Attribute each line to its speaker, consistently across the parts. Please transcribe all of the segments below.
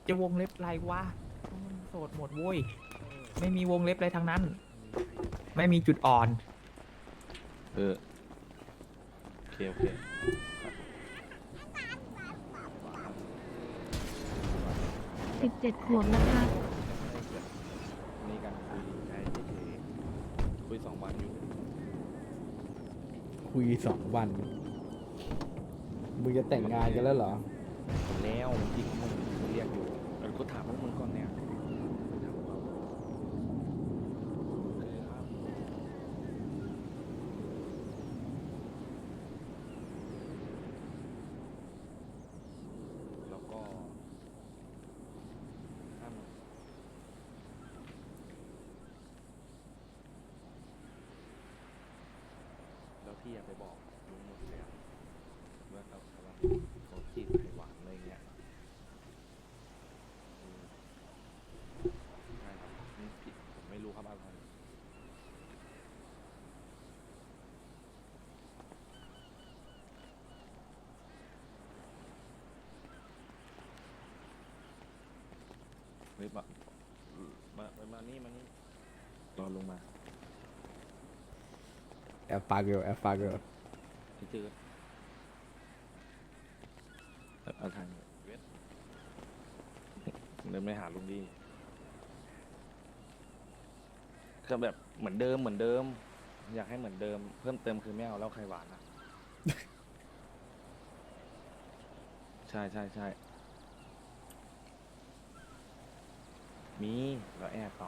Speaker 1: จะวงเล็บอะไรวะมันโสดหมดโว้ยไม่มีวงเล็บอะไรทั้งนั้น ไม่มีจุดอ่อน
Speaker 2: เออโอเคโอเค
Speaker 3: 17 ขวบแล้วค่ะ
Speaker 2: นี่กันคุยใช่เฉยๆคุย2 วันอยู่
Speaker 4: คุย2 วันมึงจะแต่งงานกันแล้วเหรอ
Speaker 2: แล้วจริงมึงเรียกอยู่กูถามพวกมึงก่อนเนี่ยถามเขาโอเคครับแล้วก็ห้ามแล้วพี่อย่าไปบอกลุงหมดเลยอะว่าเขากำลังเขาจีบไข่หวานอะไรเงี้ยใช่ครับนี่ผิดผมไม่รู้ครับอะไรเฮ้ยมานี่มานี่รอลงมา
Speaker 4: แอบฟังอยู่แอบฟังอยู่
Speaker 2: พี่จืดเอาทางเวทเดินไปหาลุงดีก็แบบเหมือนเดิมเหมือนเดิม อยากให้เหมือนเดิม เพิ่มเติมคือไม่เอาเหล้าไข่หวานนะ ใช่ใช่ใช่มีแล้วแอบเขา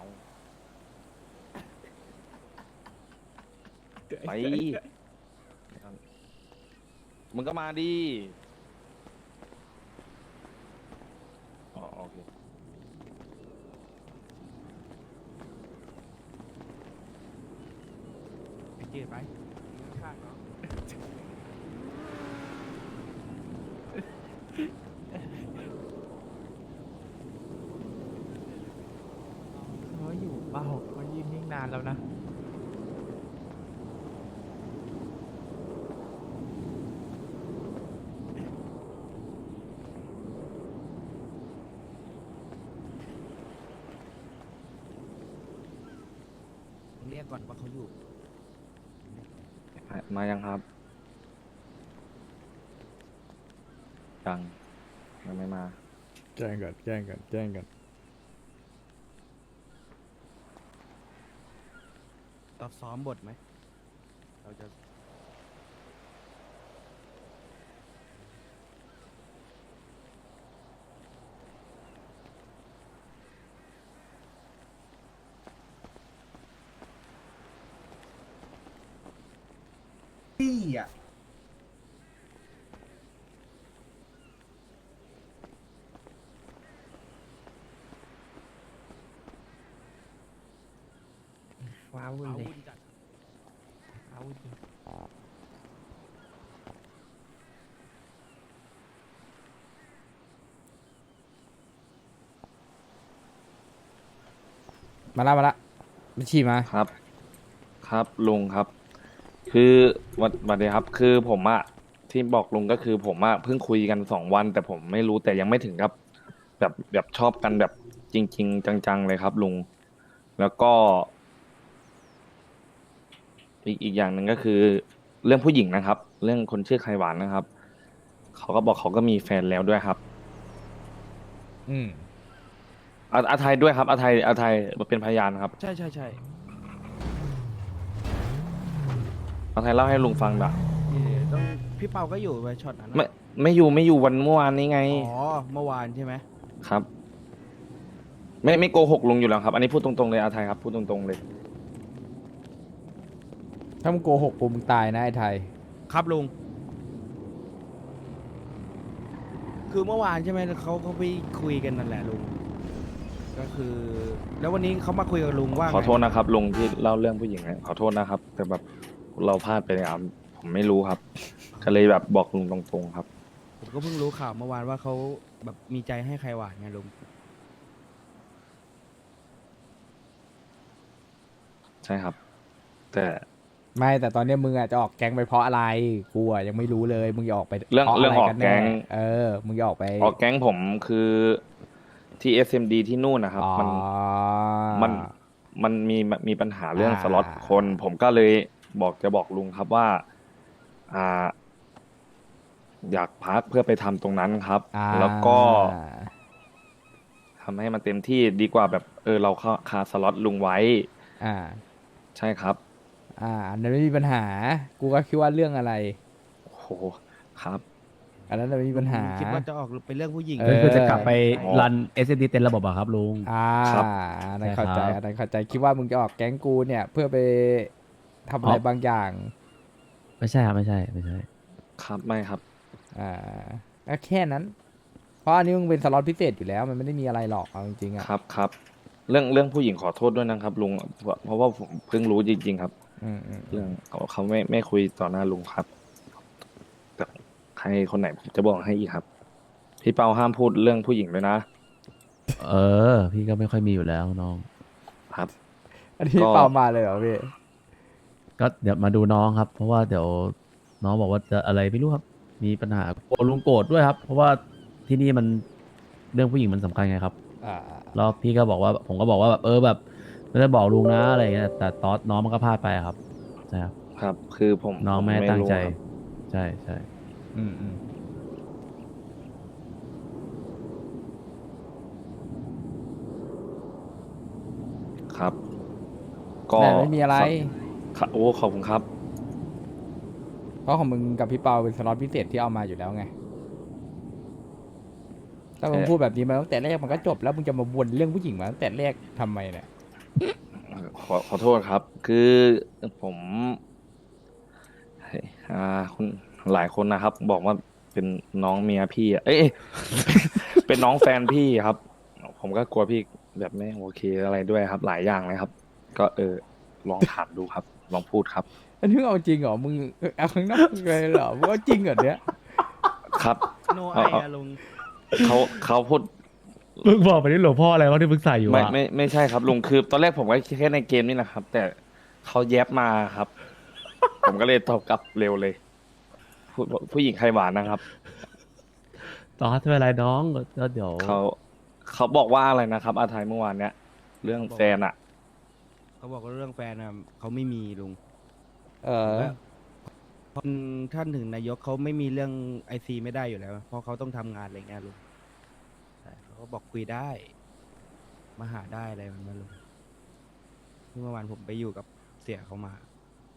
Speaker 2: ไปมึงก็มาดิอ๋อโอเค
Speaker 1: ไอ้เจ๊ไปข้างเนาะเขาอยู่เปล่าเขายืนนิ่งนานแล้วนะเรียกก่อนว่าเขาอยู่
Speaker 2: มายังครับยังไม่มา
Speaker 4: แจ้งก่อนแจ้งก่อนแจ้งก่อน
Speaker 5: เราซ้อมบทไหม เราจะ
Speaker 6: พี่อ่ะ
Speaker 1: ว้าวุ่น
Speaker 5: เอา
Speaker 1: เลย
Speaker 5: วุ่นจัด
Speaker 1: ว้าวุ่นจริง
Speaker 4: มาละบัญชีมา
Speaker 2: ครับ ครับลุงครับ คือวันเดียวครับ คือผมอะที่บอกลุงก็คือผมอะเพิ่งคุยกัน2 วันแต่ผมไม่รู้แต่ยังไม่ถึงกับแบบชอบกันแบบจริง ๆ จังๆเลยครับลุง แล้วก็อีกอย่างหนึ่งก็คือ เรื่องผู้หญิงนะครับ เรื่องคนชื่อไข่หวานนะครับเขาก็บอกเขาก็มีแฟนแล้วด้วยครับ
Speaker 4: อืม
Speaker 2: อาไทยด้วยครับอาไทยเป็นพยานครับ
Speaker 5: ใช่ใช่ใช่
Speaker 2: อาไทยเล่าให้ลุงฟังด่ะ
Speaker 5: ต้องพี่เปาก็อยู่ไปช็อตนั้น
Speaker 2: ไม่อยู่วันเมื่อวานนี้ไง
Speaker 5: อ๋อ เมื่อวานใช่ไหม
Speaker 2: ครับ ไม่โกหกลุงอยู่แล้วครับ อันนี้พูดตรงๆเลยอาไทยครับพูดตรงๆเลย
Speaker 4: ถ้ามึงโกหกกูมึงตายนะไอ้ไทย
Speaker 5: ครับลุง คือเมื่อวานใช่ไหมเขาไปคุยกันนั่นแหละลุง ก็คือ แล้ววันนี้เขามาคุยกับลุงว่า
Speaker 2: ขอโทษ
Speaker 5: ไง
Speaker 2: นะครับลุงที่เล่าเรื่องผู้หญิงนะขอโทษนะครับ แต่แบบเราพลาดไปนะครับผมไม่รู้ครับ ก็เลยแบบบอกลุงตรงๆครับ
Speaker 5: ผมก็เพิ่งรู้ข่าวเมื่อวานว่าเขาแบบมีใจให้ใครหวานไงลุง
Speaker 2: ใช่ครับ แต่
Speaker 4: ไม่แต่ตอนเนี้ยมึงอ่ะจะออกแก๊งไปเพราะอะไรกูอ่ะยังไม่รู้เลยมึงจะออกไป
Speaker 2: เรื่อง
Speaker 4: พาะ
Speaker 2: เรื่อง
Speaker 4: อะไร
Speaker 2: ออก
Speaker 4: กัน
Speaker 2: แก๊
Speaker 4: แน่
Speaker 2: ง
Speaker 4: มึงจะออกไป
Speaker 2: ออกแก๊งผมคือที่ SMD ที่นู่นนะครับ
Speaker 4: อ๋อ
Speaker 2: มันมันมีปัญหาเรื่อง
Speaker 4: อ่า
Speaker 2: สล็อตคน ผมก็เลยบอกลุงครับว่า อ่า อยากพักเพื่อไปทำตรงนั้นครับ
Speaker 4: อ่า
Speaker 2: แล้วก็ทำให้มันเต็มที่ดีกว่าแบบเราคาสล็อตลุงไว้
Speaker 4: อ่า
Speaker 2: ใช่ครับ
Speaker 4: อันนั้นไม่มีปัญหา กูก็คิดว่าเรื่องอะไร
Speaker 2: โอ้โหครับ
Speaker 4: อันนั้นน่ะไม่มีปัญหา
Speaker 5: คิดว่าจะออกไปเรื่องผู้หญิง
Speaker 4: เออ
Speaker 7: ก็คือจะกลับไป
Speaker 2: อ๋อ
Speaker 7: รัน SSD เต็มระบบอะครับลุง
Speaker 2: ครับ
Speaker 4: อันนั้นเข้าใจ
Speaker 7: ใช่ครับ
Speaker 4: อันนั้นเข้าใจ คิดว่ามึงจะออกแก๊งกูเนี่ย เพื่อไปทำอะไร
Speaker 7: อ๋อ
Speaker 4: บางอย่าง
Speaker 7: ไม่ใช่ครับไม่ใช่ไม่ใช่
Speaker 2: ครับไม่ครับ
Speaker 4: ก็แค่นั้น เพราะอันนี้มึงเป็นสล็อตพิเศษอยู่แล้ว มันไม่ได้มีอะไรหรอกเอาจริงๆอ่ะ
Speaker 2: ครับ เรื่องผู้หญิงขอโทษด้วยนะครับลุง เพราะว่าผมเพิ่งรู้จริงๆครับ เรื่องเขาไม่คุยต่อหน้าลุงครับแต่ใครคนไหนผมจะบอกให้อีกครับ พี่เปาห้ามพูดเรื่องผู้หญิงด้วยนะ
Speaker 7: เออ พี่ก็ไม่ค่อยมีอยู่แล้วน้อง
Speaker 2: ครับ
Speaker 4: อันนี้
Speaker 2: ก็
Speaker 4: เปล่ามาเลยเหรอพี่
Speaker 7: ก็เดี๋ยวมาดูน้องครับ เพราะว่าเดี๋ยวน้องบอกว่าจะอะไรไม่รู้ครับ มีปัญหากลัวลุงโกรธด้วยครับ เพราะว่าที่นี่มันเรื่องผู้หญิงมันสำคัญไงครับ แล้วพี่ก็บอกว่าผมก็บอกว่าแบบแบบไม่ได้บอกลุงนะอะไรอย่างเงี้ยแต่ตอนน้องมันก็พลาดไปอะครับใช่ครับ
Speaker 2: ครับ คือผม
Speaker 7: น้อง
Speaker 2: ผ
Speaker 7: ไม่ได้ตั้งใจ
Speaker 2: รู้ครับ
Speaker 7: ใช่ใช่
Speaker 2: ครับ ก็
Speaker 4: แต่ไม่มีอะไร
Speaker 2: ครับโอ้ขอบคุณครับ
Speaker 4: เพราะของมึงกับพี่เปาเป็นสล็อตพิเศษที่เอามาอยู่แล้วไง ถ้ามึงพูดแบบนี้มาตั้งแต่แรกมันก็จบแล้วมึงจะมาวนเรื่องผู้หญิงมาตั้งแต่แรกทำไมเนี่ย
Speaker 2: ขอโทษครับ คือผมคุณหลายคนนะครับ บอกว่าเป็นน้องเมียพี่อะเป็นน้องแฟนพี่ครับ ผมก็กลัวพี่แบบไม่โอเคอะไรด้วยครับ หลายอย่างเลยครับ ก็ลองถามดูครับ ลองพูดครับ
Speaker 4: อันนี้มึงเอาจริงเหรอ มึงเอาข้างนอกเลยเหรอ มึงเอาจริงเหรอเนี่ย
Speaker 2: ครับ
Speaker 5: โนไออะลุง
Speaker 2: เขาพูด
Speaker 7: มึงบอกไปนี่หลวงพ่ออะไรวะที่มึงใส่อยู่
Speaker 2: ไม่
Speaker 7: อะ
Speaker 2: ไม่ใช่ครับลุงคือ ตอนแรกผมก็แค่ในเกมนี่นะครับ แต่เขาแยบมาครับ ผมก็เลยตอบกลับเร็วเลย ผู้หญิงใครหวานนะครับ
Speaker 7: ต่อไม่เป็นไรน้องก็เดี๋ยว
Speaker 2: เขาบอกว่าอะไรนะครับอาทายเมื่อวานเนี้ยเรื่องแฟนอะ
Speaker 5: เขาบอกว่าเรื่องแฟนอะเขาไม่มีลุง
Speaker 4: เออ
Speaker 5: คนท่านถึงนายกเขาไม่มีเรื่องไอซีไม่ได้อยู่แล้ว เพราะเขาต้องทำงานอะไรเงี้ยลุงใช่เขาก็บอกคุยได้ มาหาได้อะไรแบบนั้นลุงที่เมื่อวานผมไปอยู่กับเสี่ยเขามา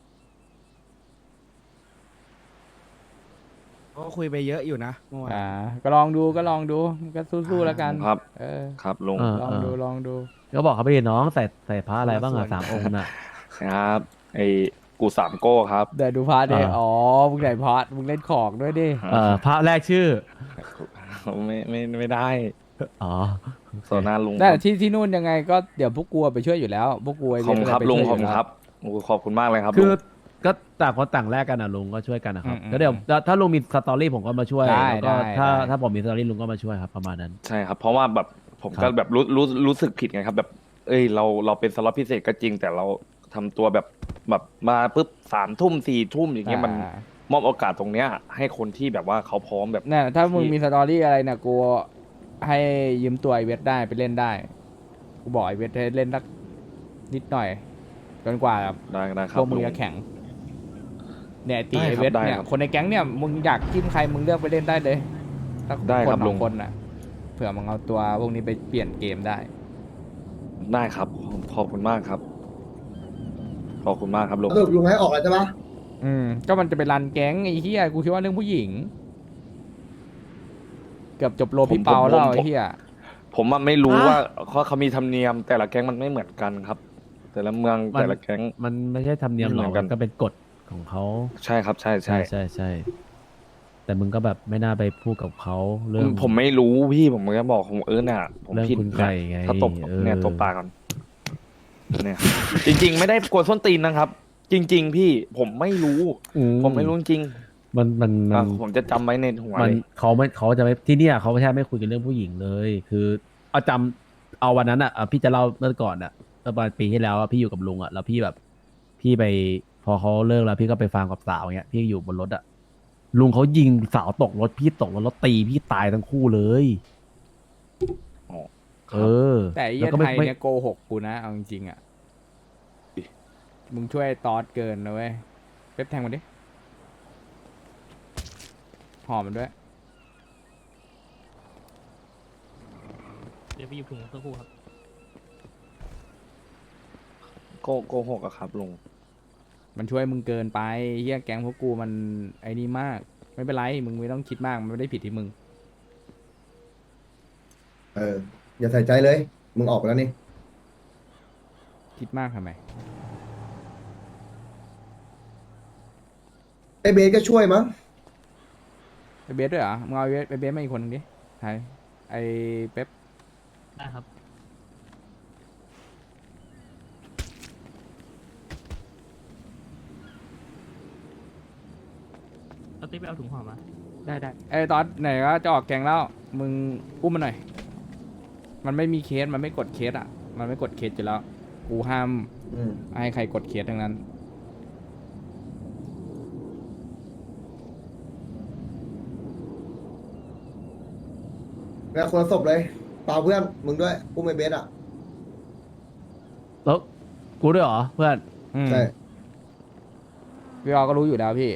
Speaker 5: เขาก็คุยไปเยอะอยู่นะเมื่อวาน
Speaker 4: ก็ลองดูก็สู้ๆแล้วกัน
Speaker 2: ครับ
Speaker 4: เออ
Speaker 2: ครับลุง
Speaker 4: ลองดู
Speaker 7: ก็บอกเขาไปดิน้องใส่ผ้าอะไรบ้างอะ3 องค์น่ะ
Speaker 2: ครับไอ้กูสามโก้ครับ
Speaker 4: เดี๋ยวดูพาร์ทดิ
Speaker 7: อ่า
Speaker 4: อ๋อ มึงไหนพาร์ทมึงเล่นของด้วยดิ
Speaker 7: พระแรกชื่อ
Speaker 2: ไม่ได้
Speaker 7: อ๋อ
Speaker 2: โซน่าลุง
Speaker 4: แต่ที่นู่นยังไงก็เดี๋ยวพวกกูไปช่วยอยู่แล้ว พวกกูไอ
Speaker 2: ขอบ
Speaker 4: เว
Speaker 2: คุ
Speaker 4: ท
Speaker 2: ณครับ
Speaker 4: ไป
Speaker 2: ลุง
Speaker 4: ช่วย
Speaker 2: ขอบ
Speaker 4: ยู่
Speaker 2: คุณ
Speaker 4: แล้ว
Speaker 2: ครับโอ้ขอบคุณมากเลยครับ
Speaker 7: คือ
Speaker 2: ลุง
Speaker 7: ก็ต่างคนต่างแลกกันนะลุงก็ช่วยกันนะครับ
Speaker 4: อืม
Speaker 7: ก็เดี๋ยวถ้าลุงมีสตอรี่ผมก็มาช่วย
Speaker 4: ได้
Speaker 7: แล้วก็
Speaker 4: ได้
Speaker 7: ถ้าผมมีสตอรี่ลุงก็มาช่วยครับประมาณนั้น
Speaker 2: ใช่ครับ เพราะว่าแบบผม
Speaker 7: ครั
Speaker 2: ก็
Speaker 7: บ
Speaker 2: แบบรู้สึกผิดไงครับ แบบ เราเป็นสล็อตพิเศษก็จริง แต่เราทำตัวแบบมาปุ๊บ3 ทุ่ม 4 ทุ่มอย่างเงี้ยมันมอบโอกาสตรงเนี้ย ให้คนที่แบบว่าเขาพร้อมแบบ
Speaker 4: เนี่ยถ้ามึงมีสตอรี่อะไรเนี่ยกูให้ยืมตัวไอเวทได้ไปเล่นได้ กูบอกไอเวทให้เล่นสักนิดหน่อยจนกว่า
Speaker 2: ได้ครั
Speaker 4: พ
Speaker 2: บ
Speaker 4: วกมึง
Speaker 2: ลุง
Speaker 4: จะแข่งเนี่ยตี
Speaker 2: ได้
Speaker 4: ไอ
Speaker 2: ครับ
Speaker 4: เวท
Speaker 2: ได้
Speaker 4: เนี่ย
Speaker 2: ครับ
Speaker 4: คนในแก๊งเนี่ยมึงอยากจิ้มใครมึงเลือกไปเล่นได้เลยสัก
Speaker 2: ได้
Speaker 4: คน
Speaker 2: ครับ
Speaker 4: ส
Speaker 2: ลุ
Speaker 4: อง งคนน่ะเผื่อมึงเอาตัวพวกนี้ไปเปลี่ยนเกมได้
Speaker 2: ได้ครับขอบคุณมากครับ ขอบคุณมากครับลุง
Speaker 6: สรุปลุงให้ออกแล้วใช่ปะ
Speaker 4: ก็มันจะไปรันแก๊งไอ้เหี้ยกูคิดว่าเรื่องผู้หญิง เกือบจบโลพี่เปาแล้วไอ้เหี้ย
Speaker 2: ผมอะไม่รู้ว่าเขามีธรรมเนียม แต่ละแก๊งมันไม่เหมือนกันครับ แต่ละเมือง
Speaker 7: มัน
Speaker 2: แต่ละแก๊ง
Speaker 7: มันไม่ใช่ธรรมเนียมหร
Speaker 2: ไม่
Speaker 7: อก
Speaker 2: เหมือนกัน
Speaker 7: มันก็เป็นกฎของเขา
Speaker 2: ใช่ครับ ใช่
Speaker 7: ใช่ใช่แต่มึงก็แบบไม่น่าไปพูดกับเขาเรื่อง
Speaker 2: ผมไม่รู้พี่ผมก็บอกผมเนี่ยผม
Speaker 7: เรื่อง
Speaker 2: ผิด
Speaker 7: คุณไก่ไง
Speaker 2: ถ้าตบ เนี่ย
Speaker 7: เออ
Speaker 2: ตบปากก่อนเนี่ยจริง ๆ ไม่ได้กวนส้นตีนนะครับ จริง ๆ พี่ผมไม่รู้ ผมไม่รู้จริง
Speaker 7: มัน
Speaker 2: ผมจะจำไว้ในหัว
Speaker 7: มัน
Speaker 2: เลย
Speaker 7: เขาจะไม่ที่เนี่ยเขาไม่ใช่ไม่คุยกันเรื่องผู้หญิงเลย คือเอาวันนั้นอ่ะพี่จะเล่าเมื่อก่อนอ่ะเมื่อประมาณปีที่แล้วอะพี่อยู่กับลุงอ่ะแล้วพี่แบบพี่ไปพอเขาเลิกแล้วพี่ก็ไปฟังกับสาวเงี้ยพี่อยู่บนรถอ่ะลุงเขายิงสาวตกรถพี่ตกรถแล้วตีพี่ตายทั้งคู่เลยเออ
Speaker 4: แต่ไอ้
Speaker 7: แล้
Speaker 4: เหี้
Speaker 7: วย ก็ไม่
Speaker 4: ไทย
Speaker 7: ไม่
Speaker 4: เนี่ยโกหกกูนะเอาจริงๆอ่ะมึงช่วยตอดเกินนะเว้ยเป๊ปแทงมันดิหอมมันด้วย
Speaker 8: เดี๋ยวไปหยิบถุงสักครู่ครับ
Speaker 2: โกหกอะครับลุง
Speaker 4: มันช่วยมึงเกินไปเฮียแก๊งพวกกูมันไอ้นี่มาก ไม่เป็นไรมึงไม่ต้องคิดมากมันไม่ได้ผิดที่มึง
Speaker 6: อย่าใส่ใจเลย มึงออกไปแล้วนี่
Speaker 4: คิดมากทำไม
Speaker 6: ไอ้เบสก็ช่วยมั้ง
Speaker 4: ไปเบสด้วยเหรอมึงเอาไปเบสมาอีกคนนึงดิไทยไอ้เป๊ป
Speaker 8: ได้ครับ เอาติ๊บไปเอาถุงห่อมา
Speaker 1: ได้ได้
Speaker 4: ไอ้ตอดไหนก็จะออกแกงแล้วมึงอุ้มมันหน่อย มันไม่มีเคสมันไม่กดเคสอ่ะ มันไม่กดเคสอยู่แล้วกูห้าม
Speaker 6: อืม
Speaker 4: ให้ใครกดเคสทั้งนั้น
Speaker 6: แล้วคนละศพเลยเปล่าเพื่อน มึงด้วยอุ้มไอ้เบสอ่ะ
Speaker 7: แล้วกูด้วยเหรอเพื่อน
Speaker 4: อืม
Speaker 6: ใช่
Speaker 4: พี่ออก็รู้อยู่แล้วพี่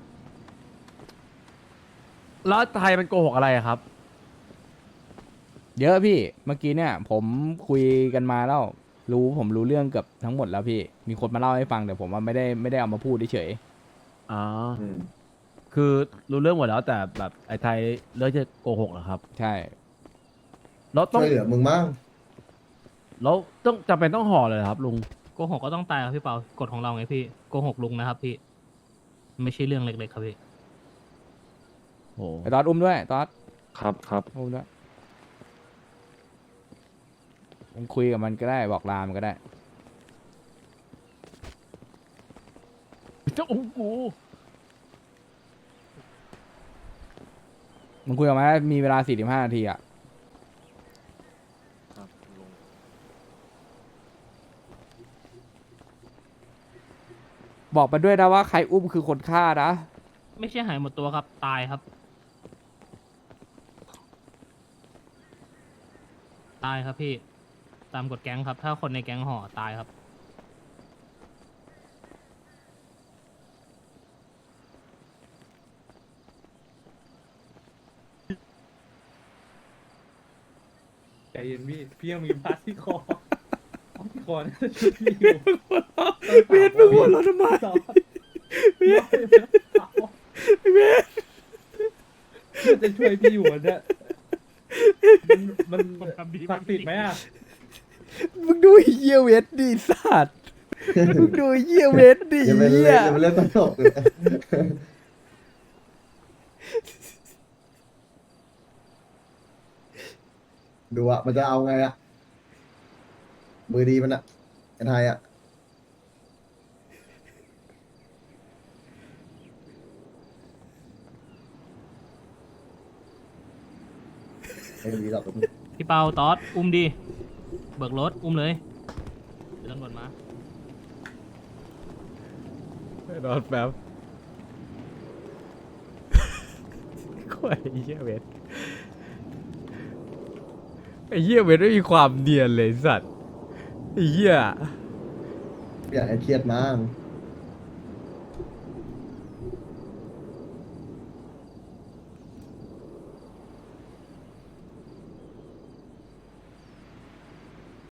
Speaker 7: แล้วไทยมันโกหกอะไรอะครับ
Speaker 4: เยอะพี่เมื่อกี้เนี่ย ผมคุยกันมาแล้วผมรู้เรื่องเกือบทั้งหมดแล้วพี่ มีคนมาเล่าให้ฟังแต่ผมว่าไม่ได้เอามาพูดเฉย
Speaker 7: อ๋อ
Speaker 6: อืม
Speaker 7: คือรู้เรื่องหมดแล้วแต่แบบไอ้ไทยเลือกจะโกหกเหรอครับ
Speaker 4: ๆใช่
Speaker 7: แล้วต้อ
Speaker 6: ช่
Speaker 7: ง
Speaker 6: วยเหลือมึงมั้ง
Speaker 7: แล้วต้องจำเป็นต้องห่อเลยเหรอครับลุง
Speaker 8: โกหกก็ต้องตายครับพี่เปากฎของเราไงพี่ โกหกลุงนะครับพี่ ไม่ใช่เรื่องเล็กๆครับพี่
Speaker 7: โอ้
Speaker 4: ไอ้ตอดอุ้มด้วยตอด
Speaker 2: ครับ
Speaker 4: อุ้มด้วยมึงคุยกับมันก็ได้บอกลามันก็ได้
Speaker 7: เจ้าอู้กู
Speaker 4: มึงคุยกับมันได้มีเวลา45 นาทีอ่ะ
Speaker 2: ครับลุง
Speaker 4: บอกไปด้วยนะว่าใครอุ้มคือคนฆ่านะ
Speaker 8: ไม่ใช่หายหมดตัวครับ ตายครับ ตายครับพี่ ตามกฎแก๊งครับ ถ้าคนในแก๊งห่อตายครับ
Speaker 1: ใจเย็นพี่พี่ยังมีพาสที่คอที่คอน่าจะช่วยพี่อยู่
Speaker 4: เบสมึงหัวเราะทำไม
Speaker 1: เบียจะช่วยพี่อยู่อะเนี่ยมันศักดิ์สิทธิ์ไหมอ่ะ
Speaker 4: มึงดูไอ้เหี้ยเวทดิสัตว์มึงดูไอ้เหี้ยเวทดิ
Speaker 6: อย่าไปเล่น
Speaker 4: เหี้ย
Speaker 6: อย่าไปเล่นตลกเลยดูอ่ะ มันจะเอาไงอ่ะ มือดีมันอ่ะไอ้ไทยอ่ะ ไม่มีหรอก
Speaker 8: พี่เปาตอดอุ้มดิ เบิกรถอุ้มเลยเดี๋ยวตำรวจมา
Speaker 4: รอดแป๊บโอ้ยไอ้เหี้ยเวทไอ้เหี้ยเวทไม่มีความเนียนเลยสัตว์ไอ้เหี้ย
Speaker 6: อยากให้เครียดมาก